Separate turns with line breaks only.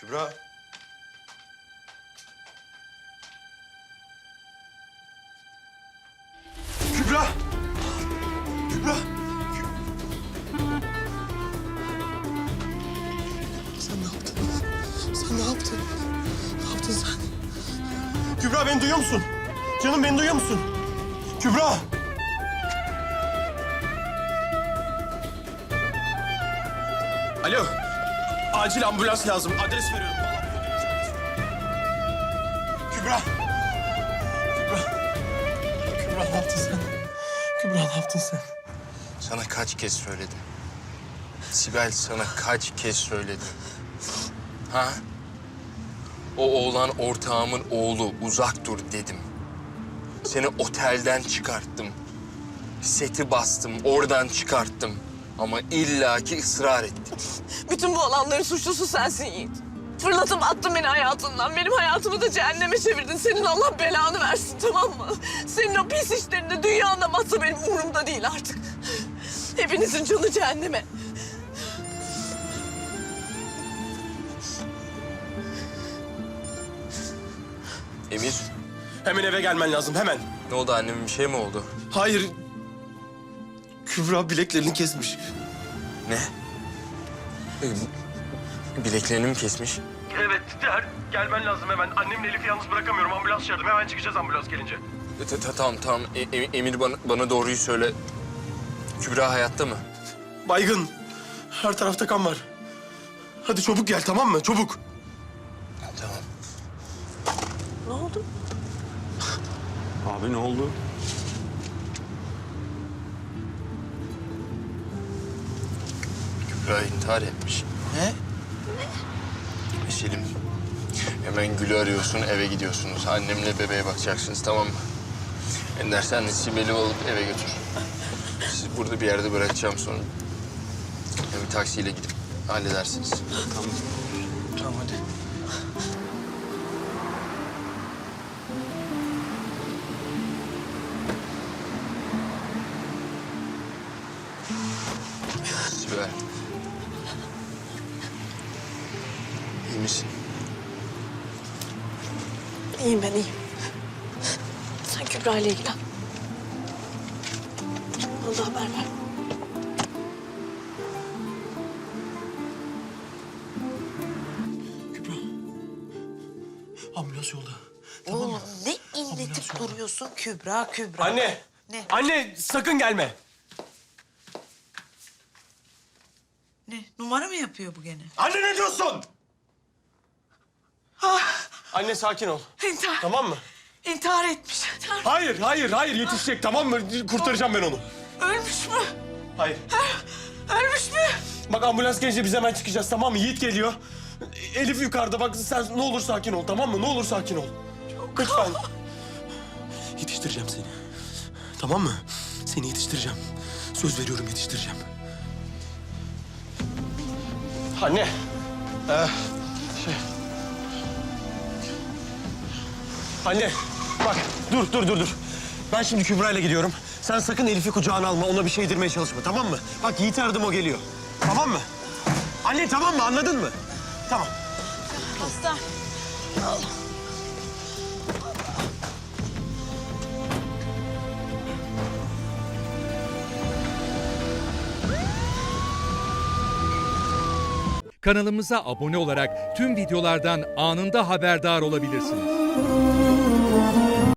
Kübra. Kübra. Kübra. Sen ne yaptın? Sen ne yaptın? Ne yaptın sen? Kübra beni duyuyor musun? Canım beni duyuyor musun? Kübra. Alo. Acil ambulans lazım. Adres veriyorum. Kübra. Kübra. Kübra ne yaptın sen? Kübra ne yaptın sen?
Sana kaç kez söyledim? Sibel sana kaç kez söyledim? Ha? O oğlan ortağımın oğlu, uzak dur dedim. Seni otelden çıkarttım. Seti bastım, oradan çıkarttım. Ama illaki ısrar ettin.
Bütün bu olanların suçlusu sensin Yiğit. Fırlatıp attın beni hayatından. Benim hayatımı da cehenneme çevirdin. Senin Allah belanı versin, tamam mı? Senin o pis işlerinde dünyanda batsa benim umurumda değil artık. Hepinizin canı cehenneme.
Emir,
Hemen eve gelmen lazım, hemen.
ne oldu, annemin bir şey mi oldu?
Hayır. Kübra bileklerini kesmiş.
Ne? Bileklerini mi kesmiş?
Evet, gelmen lazım hemen. Annemle Elif'i yalnız bırakamıyorum. Ambulans çağırdım. Hemen çıkacağız ambulans gelince.
Tamam. Emir bana doğruyu söyle. Kübra hayatta mı?
Baygın. Her tarafta kan var. Hadi çabuk gel, tamam mı? Çabuk.
Tamam.
Ne oldu?
Abi ne oldu?
Kübra intihar etmiş.
Ne?
Selim, hemen Gül'ü arıyorsun, eve gidiyorsunuz. Annemle bebeğe bakacaksınız, tamam mı? Ender, sen de Sibel'i alıp eve götür. Siz burada bir yerde bırakacağım sonra. Bir taksiyle gidip halledersiniz.
Tamam. Tamam hadi.
Sibel. İyi misin?
İyiyim ben, iyiyim. Sen Kübra ile ilgilen. Bana da haber ver.
Kübra. Ambulans yolda.
Oğlum ne inletip duruyorsun Kübra, Kübra.
Anne.
Ne?
Anne sakın gelme.
Ne? Numara mı yapıyor bu gene?
Anne ne diyorsun? Anne sakin ol.
İntihar.
Tamam mı?
İntihar etmiş.
Hayır yetişecek, tamam mı? Kurtaracağım ben onu.
Ölmüş mü?
Hayır.
Ölmüş mü?
Bak ambulans gelince biz hemen çıkacağız, tamam mı? Yiğit geliyor. Elif yukarıda, bak sen ne olur sakin ol, tamam mı? Ne olur sakin ol. Lütfen. Yetiştireceğim seni. Tamam mı? Seni yetiştireceğim. Söz veriyorum, yetiştireceğim. Anne. Anne, bak dur. Ben şimdi Kübra ile gidiyorum. Sen sakın Elif'i kucağına alma, ona bir şey yedirmeye çalışma, tamam mı? Bak Yiğit'i aradım, o geliyor. Tamam mı? Anne tamam mı, anladın mı? Tamam.
Hasta.
Kanalımıza abone olarak tüm videolardan anında haberdar olabilirsiniz.